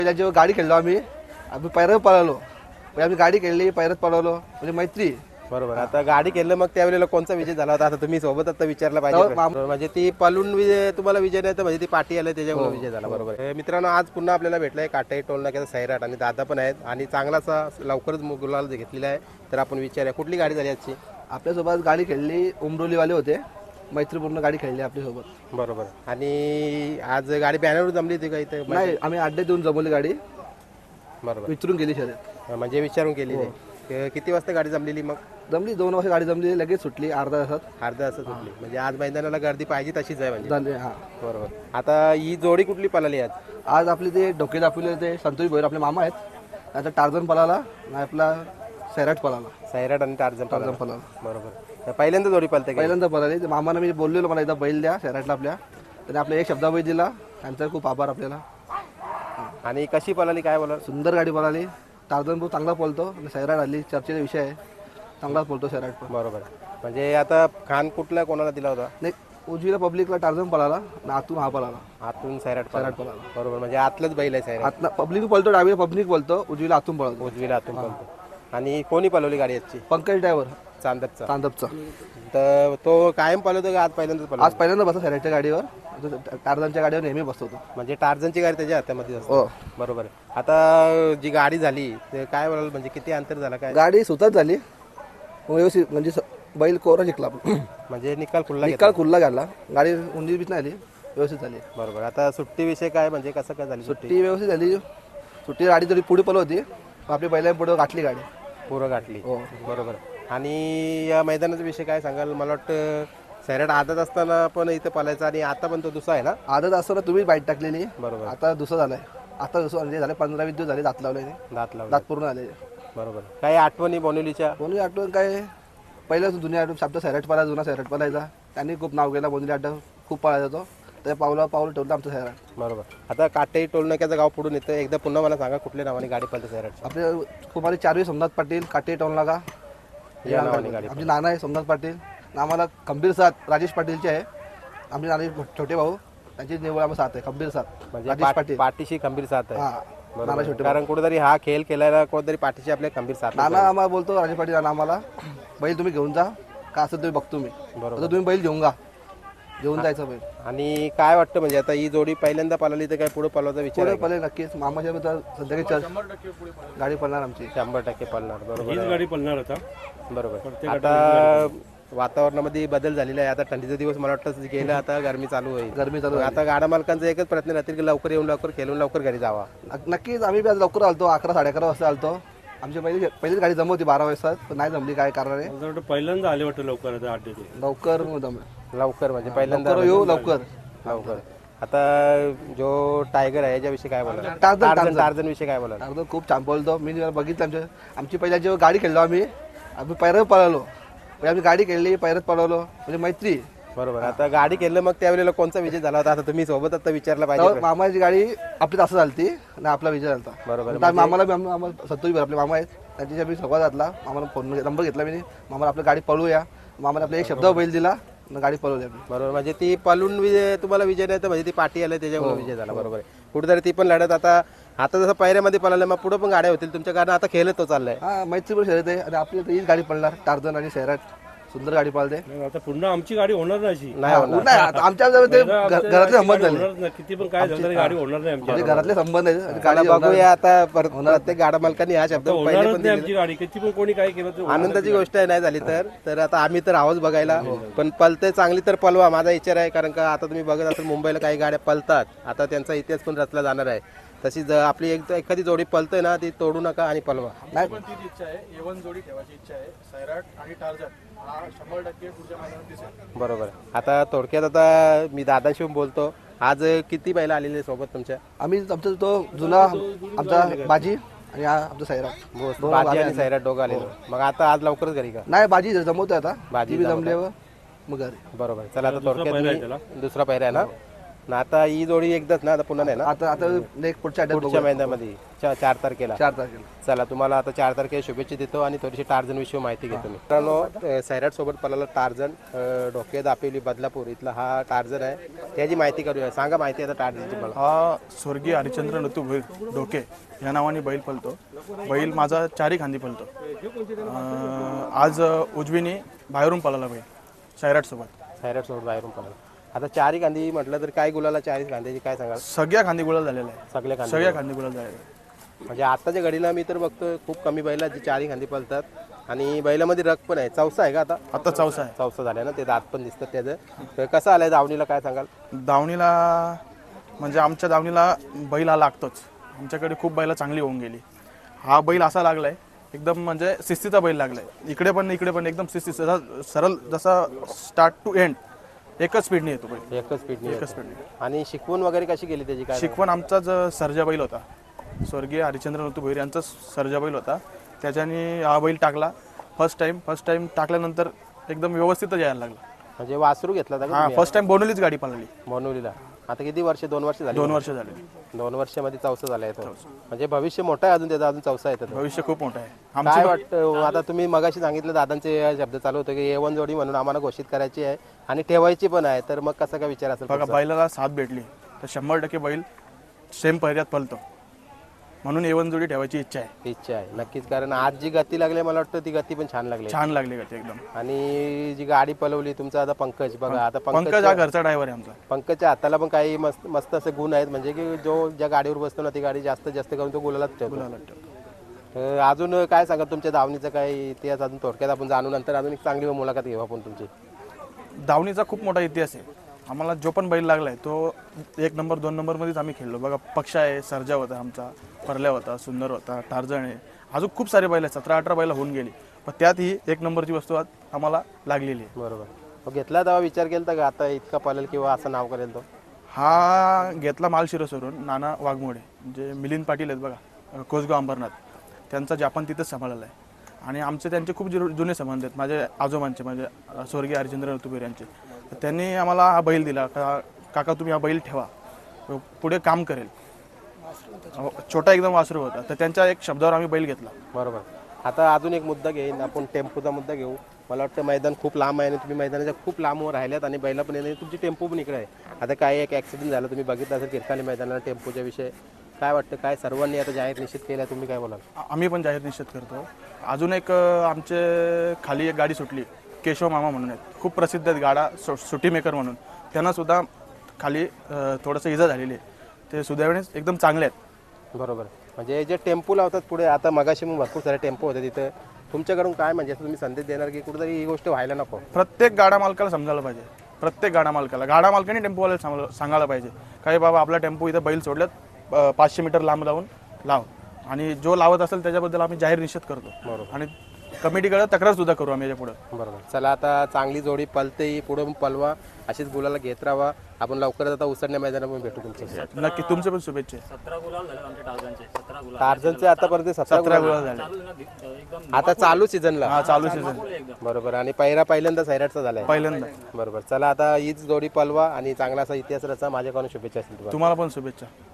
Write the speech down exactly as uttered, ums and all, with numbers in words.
पहिल्या जेव्हा गाडी खेळलो आम्ही आम्ही पैरात पळालो. म्हणजे आम्ही गाडी खेळली पैरात पळवलो म्हणजे मैत्री. बरोबर. आता गाडी केलं मग त्यावेळेला कोणता विजय झाला होता? आता तुम्ही सोबत आता विचारला पाहिजे. म्हणजे ती पलून विजय तुम्हाला विजय नाही तर म्हणजे ती पाठी आली त्याच्यामुळे विजय झाला. बरोबर. मित्रांनो, आज पुन्हा आपल्याला भेटलाय काटाई टोल नाक्याचा सैराट आणि दादा पण आहेत आणि चांगलासा लवकरच गुलाल घेतलेला आहे. तर आपण विचारूया कुठली गाडी झाली आजची? आपल्यासोबत गाडी खेळली उमरोलीवाले होते, मैत्रीपूर्ण गाडी खेळली आपल्यासोबत. बरोबर. आणि आज गाडी बॅनरवर जमली होती का इथे? नाही, आम्ही अड्डे देऊन जमवली गाडी. बरोबर. विचारून गेली शर्यत म्हणजे विचारून केली. किती वाजता गाडी जमलेली? मग जमली दोन वाजता गाडी जमली, लगेच सुटली अर्धा तासात. अर्धा तासात सुटली. म्हणजे आज मैदानाला गर्दी पाहिजे तशीच आहे म्हणजे. झाले हा. बरोबर. आता ही जोडी कुठली पळाली आज? आज आपले ते डोके दाखवले ते संतोष भोयर आपले मामा आहेत. आता टार्झन पळाला आणि आपला सैराट पळाला. सैराट आणि टार्झन टार्झन पळाला. बरोबर. पहिल्यांदा जोडी पळते? पहिल्यांदा पळाली. मामाला मी बोललेलो मला एकदा बैल द्या सैराटला आपल्या, त्याने आपल्या एक शब्दा बैल दिला. त्यांचा खूप आभार आपल्याला. आणि कशी पळाली काय बोला? सुंदर गाडी पळाली. टार्झन खूप चांगला पळतो आणि सैराट आली चर्चेचा विषय आहे. चांगलाच पळतो सैराट पण. बरोबर. म्हणजे आता खान कुठला कोणाला दिला होता? नाही, उजवीला पब्लिकला टार्झन पळाला आणि आतून हा पळाला. आतून सैराट सैराट पळाला. बरोबर. म्हणजे आतलंच बैल आहे सैराट. आतला पब्लिक पळतो, डावीला पब्लिक पळतो, उजवीला आतून पळतो. उजवीला आतून पळतो. आणि कोणी पळवली गाडी आजची? पंकज ड्रायव्हर चांदपचा. चांदपचा. तर तो कायम पळवतो का आज पहिल्यांदाच पळवतो? आज पहिल्यांदा बसतो सैराटच्या गाडीवर. टार्झनच्या गाडीवर नेहमी बसतो तो. म्हणजे टार्झनची गाडी त्याच्या हातामध्ये असते. हो. बरोबर. आता जी गाडी झाली ते काय बोलाल, म्हणजे किती अंतर झाला काय? गाडी सुतत झाली व्यवस्थित, म्हणजे बैल कोरा जिंकला. म्हणजे निकाल खुल्ला निकाल खुल्ला घातला. गाडी उंची बीच नाही आली, व्यवस्थित झाली. बरोबर. आता सुट्टी विषय काय, म्हणजे कसं काय झाली सुट्टी? सुट्टी व्यवस्थित झाली. सुट्टी गाडी थोडी पुढे पळत होती, आपली पहिल्या पुढे गाठली गाडी. पुरं गाठली. हो. बरोबर. आणि या मैदानाचा विषय काय सांगाल? मला वाटतं सैराट आदत असताना पण इथं पळायचा आणि आता पण तो दुसरा आहे ना? आदत असताना तुम्ही बाईट टाकलेली. बरोबर. आता दुसरा झालाय. आता दुसरं म्हणजे झाले पंधरा वीस दिवस झाले दात लावले. दात लावले. दात पूर्ण आले. बरोबर. काही आठवणी बोनिवलीच्या? बोनली आठवण काय, पहिल्याच जुन्या आठवण शब्द सैराट पळायचा, जुना सैराट पळायचा. त्यांनी खूप नाव केलं. बोनली आठवण खूप पळायचा तो. त्या पावला पाऊल ठेवलं आमचं सैराट. बरोबर. आता काटाई टोल नाक्याचं गाव पुढून येतं. एकदा पुन्हा मला सांगा कुठल्या नावाने गाडी पळते सैराट? आपले कुमारी चारवी सोमनाथ पाटील काटे टोल नाका या नावाने गाडी. आमचे नाना आहे सोमनाथ पाटील. आम्हाला खंबीर साथ राजेश पाटीलचे आहे. आमचे नाना छोटे भाऊ, त्यांची निवड आम्हाला साथ आहे. खंबीर साथ म्हणजे राजेश पाटील. पाठीशी खंबीर साथ आहे. हा. नाना छोटे कारण कुठेतरी हा खेळ केल्याला कुठेतरी पाठीशी आपल्या खंबीर साथ. नाना आम्हाला बोलतो राजेश पाटील नाना आम्हाला, बैल तुम्ही घेऊन जा का असं तुम्ही बघतो मी. बरोबर. तुम्ही बैल घेऊन जा, घेऊन जायचं बैल. आणि काय वाटतं, म्हणजे आता ही जोडी पहिल्यांदा पळाली तर काय पुढे पळवायचा विचार पुढे आहे का? पळेल नक्कीच. मामाच्या मित्र संध्याकाळी चर्च गाडी पळणार आमची. शंभर टक्के पळणार. बरोबर. हीच गाडी पळणार आता. बरोबर. आता वातावरणामध्ये बदल झालेला आहे. आता थंडीचा दिवस मला वाटतं गेलं, आता गरमी चालू होईल. गरमी चालू आहे. आता गाडा मालकांचा एकच प्रयत्न राहतील की लवकर येऊन लवकर खेळून लवकर घरी जावा. नक्कीच. आम्ही बी आज लवकर आलतो, अकरा साडे अकरा वाजता आलतो. आमची पहिली पहिलीच गाडी जमव होती बारा वाजता, पण नाही जमली काय कारणाने. मला वाटतं पहिल्यांदा आले वाटतं लवकर आता आठ दिवस. लवकर जमलं. लवकर म्हणजे पहिल्यांदा लवकर येऊ लवकर. लवकर. आता जो टायगर आहे याच्याविषयी काय बोला? टार्झन टार्झन टार्झन विषयी काय बोला? टार्झन खूप छान पळतो. मी जेव्हा बघितलं आमच्या आमची पहिल्या जेव्हा गाडी खेळलो आम्ही आम्ही पैरात पळालो. म्हणजे आम्ही गाडी खेळली पैरात पळवलो म्हणजे मैत्री. बरोबर. आता गाडी केलं मग त्यावेळेला कोणता विजय झाला होता? आता तुम्ही सोबत आता विचारला पाहिजे. मामाची गाडी आपली असं झालती आणि आपला विजय झाला. बरोबर. मामाला आम्हाला संतोष आपले मामा आहेत, त्यांच्याशी मी संवाद घातला. मामाला फोन नंबर घेतला मी, मामाला आपली गाडी पळवूया. मामाला आपला एक शब्द बैल दिला, गाडी पळवली आम्ही. बरोबर. म्हणजे ती पळून विजय तुम्हाला विजय नाही तर म्हणजे ती पाठी आली त्याच्यामुळे विजय झाला. बरोबर आहे. कुठेतरी ती पण लढत आता आता जसं पायऱ्यामध्ये पळालं मग पुढे पण गाड्या होतील तुमच्या, कारण आता खेळत तो चाललाय. हा, मैत्रीपूर्ण शर्यत आहे आणि आपली हीच गाडी पळणार. टार्झन आणि सैराट सुंदर गाडी पळते. आता पुन्हा आमची गाडी होणार नाही अशी. नाही होणार. नाही, आता आमच्या ते घरातले संबंध झाले. होणार नाही. किती पण काय झालं तरी गाडी होणार नाही आमची. म्हणजे घरातले संबंध आहेत आणि गाडी गाडी बघूया आता. प्रत्येक गाडा मालकांनी हा शब्द पहिले होणारच पण नाही आमची गाडी. किती पण कोणी काय केलं तर आनंदाची गोष्ट आहे नाही झाली तर. तर आता आम्ही तर आहोत बघायला, पण पलते चांगली तर पलवा माझा विचार आहे. कारण का आता तुम्ही बघत असाल मुंबईला काही गाड्या पलतात, आता त्यांचा इतिहास पण रचला जाणार आहे. तशी जर आपली एक एखादी जोडी पलतय ना ती तोडू नका आणि पलवा. नाही पण तीच इच्छा आहे. एवन जोडी ठेवायची इच्छा आहे. सैराट आणि टार्झन हा शंभर टक्के पुढच्या मैदानात दिसेल. बरोबर. आता थोडक्यात आता मी दादाशी बोलतो. आज किती बैल आलेले सोबत तुमच्या? आम्ही आमचा तो जुना आमचा बाजी आणि हा आमचा सैराट. बाजी आणि सैराट दोघं आलेलो. मग आता आज लवकरच घरी का? नाही, बाजी जमवतोय आता. बाजी बाजी जमल्यावर मग घरी. बरोबर. चला आता थोडक्यात मी- दुसरा पहिरा आहे ना. ना आता ही जोडी एकदाच ना, आता पुन्हा नाही ना, आता आता नेक्स्ट पुढच्या अड्ड्यात पुढच्या बघूया. महिन्यामध्ये चा- चार तारखेला. चार तारखेला. चला तुम्हाला आता चार तारखेला शुभेच्छा देतो आणि थोडीशी टार्झन विषयी माहिती घेतो मी. मित्रांनो सैराट सोबत पळाला टार्झन डोके दापेली बदलापूर इथला हा टार्झन आहे, त्याची माहिती करूया. सांगा माहिती आता टार्झनची मला. हा स्वर्गीय हरिचंद्र नतू भोईर डोके या नावाने बैल पळतो. बैल माझा चारी खांदी पळतो. अं, आज उजवीने बाहेरून पळाला बैल सैराट सोबत. सैराट सोबत बाहेरून पळाला. आता चारी खांदी म्हटलं तर काय गुलाला चारी खांद्याची काय सांगाल? सगळ्या खांदी गुलाल झालेला आहे. सगळे खांदे सगळ्या खांदी गुलाल झालेला आहे. म्हणजे आताच्या घडीला मी तर बघतो खूप कमी बैला जी चारी खांदी पळतात आणि बैलामध्ये रग पण आहे. चौसा आहे का आता? आता चौसा आहे. चौसा झाला ना, ते दात पण दिसतात त्याचं. तर कसं आलंय दावणीला काय सांगाल? दावणीला म्हणजे आमच्या दावणीला बैल हा लागतोच. आमच्याकडे खूप बैला चांगली होऊन गेली. हा बैल असा लागलाय एकदम म्हणजे शिस्तीचा बैल लागलाय. इकडे पण इकडे पण एकदम शिस्ती सरळ जसा स्टार्ट टू एंड एकच स्पीडने येतो बैल. एकच स्पीडने एकच स्पीडने. आणि शिकवण वगैरे कशी केली त्याची काय? शिकवण आमचाच सर्जा बैल होता, स्वर्गीय हरिचंद्र नतू भोईर यांचा सर्जा बैल होता. त्याच्याने हा बैल टाकला फर्स्ट टाइम. फर्स्ट टाइम टाकल्यानंतर एकदम व्यवस्थितच यायला लागला. म्हणजे वासरू घेतला होता का हा तुम्ही? फर्स्ट टाइम बोनवलीच गाडी पळाली. मनोलीला. आता किती वर्ष? दोन वर्ष झाली. दोन वर्ष झाले. दोन वर्षामध्ये चौसा झाला आहे तो. म्हणजे भविष्य मोठं आहे अजून त्याचा, अजून चौसा येतो. भविष्य खूप मोठं आहे काय आमचं. वाटतं आता तुम्ही मगाशी सांगितलं दादांचे शब्द चालू होते की ए वन जोडी म्हणून आम्हाला घोषित करायची आहे आणि ठेवायची पण आहे, तर मग कसा काय विचार असेल? बघा बैलाला साथ भेटली तर शंभर टक्के बैल सेम पहिऱ्यात पळतो, म्हणून एवन जोडी ठेवायची इच्छा आहे. इच्छा आहे नक्कीच, कारण आज जी गती लागली मला वाटतं ती गती पण छान लागली. छान लागली का ते एकदम. आणि जी गाडी पळवली तुमचा आता पंकज बघा, आता पंकज हा घरचा ड्रायव्हर आहे आमचा. पंकजच्या हाताला पण काही मस्त मस्त असे गुण आहेत, म्हणजे की जो ज्या गाडीवर बसतो ना ती गाडी जास्तीत जास्त करून तो गुलालाच ठेवतो. गुलाला ठेवतो. तर अजून काय सांगा तुमच्या धावणीचा काही इतिहास अजून थोडक्यात आपण जाणू, नंतर अजून एक चांगली मुलाखत घेऊ आपण तुमची. धावणीचा खूप मोठा इतिहास आहे. आम्हाला जो पण बैल लागलाय तो एक नंबर दोन नंबरमध्येच आम्ही खेळलो. बघा पक्ष आहे, सर्जा होता आमचा, परल्या होता, सुंदर होता, टार्झन आहे, अजून खूप सारे बैल आहेत. सतरा अठरा बैल होऊन गेली, पण त्यात ही एक नंबरची वस्तू आज आम्हाला लागलेली आहे. बरोबर. मग घेतला तेव्हा विचार केला का आता इतका पालेल किंवा असं नाव करेल तो? हा घेतला मालशिरसवरून नाना वाघमोडे, म्हणजे मिलिंद पाटील आहेत बघा, कोसगाव अंबरनाथ, त्यांचा जापान तिथंच सांभाळलेला आहे. आणि आमचे त्यांचे खूप जु जुने संबंध आहेत, माझे आजोबांचे, म्हणजे स्वर्गीय हरिचंद्र नतू भोईर यांचे. तर त्यांनी आम्हाला हा बैल दिला का काका तुम्ही हा बैल ठेवा, पुढे काम करेल. छोटा एकदम वासरू होता, तर त्यांच्या एक शब्दावर आम्ही बैल घेतला. बरोबर. आता अजून एक मुद्दा घेईन आपण, टेम्पोचा मुद्दा घेऊ. मला वाटतं मैदान खूप लांब आहे आणि तुम्ही मैदानाच्या खूप लांब राहिल्यात आणि बैला पण येणे, तुमची टेम्पो पण इकडे आहे. आता काय एक ॲक्सिडेंट झाला, तुम्ही बघितलं असेल किरकाली मैदानाला टेम्पोच्या विषय. काय वाटतं, काय सर्वांनी आता जाहीर निश्चित केला, तुम्ही काय बोलाल? आम्ही पण जाहीर निश्चित करतो. अजून एक आमचे खाली एक गाडी सुटली, केशव मामा म्हणून आहेत, खूप प्रसिद्ध आहेत गाडा, सु सुटी मेकर म्हणून. त्यांना सुद्धा खाली थोडंसं इजा झालेली आहे, ते सुदैवाने एकदम चांगले आहेत. बरोबर. म्हणजे जे टेम्पो लावतात पुढे, आता मगाशी मग भरपूर सारे टेम्पो होते तिथं, तुमच्याकडून काय म्हणजे तुम्ही संदेश देणार की कुठेतरी ही गोष्ट व्हायला नको? प्रत्येक गाडा मालकाला समजायला पाहिजे, प्रत्येक गाडा मालकाला, गाडा मालकाने टेम्पोवाल्याला सांग सांगायला पाहिजे काही बाबा आपला टेम्पो इथं बैल सोडल्यात पाचशे मीटर लांब लावून लाव, आणि जो लावत असेल त्याच्याबद्दल आम्ही जाहीर निश्चित करतो. बरोबर. आणि कमिटीकडे तक्रार सुद्धा करू आम्ही याच्या पुढे. बरोबर. चला आता चांगली जोडी पलते, पुढे पलवा, अशीच गुलाला घेत राहा. आपण लवकरच आता उसडण्या मैदानामध्ये भेटू तुमच्या. नक्की तुमचे पण शुभेच्छा. टार्झनचे आतापर्यंत सतरा सतरा गुलाल गोळा झाले आता चालू सीझनला. हा चालू सीझन बरोबर. आणि पहिला पहिल्यांदा सैराटचा झालाय. पहिल्यांदा. बरोबर. चला आता हीच जोडी पलवा आणि चांगला असा इतिहास रचा. माझ्याकडून शुभेच्छा असतील तुम्हाला. तुम्हाला पण शुभेच्छा.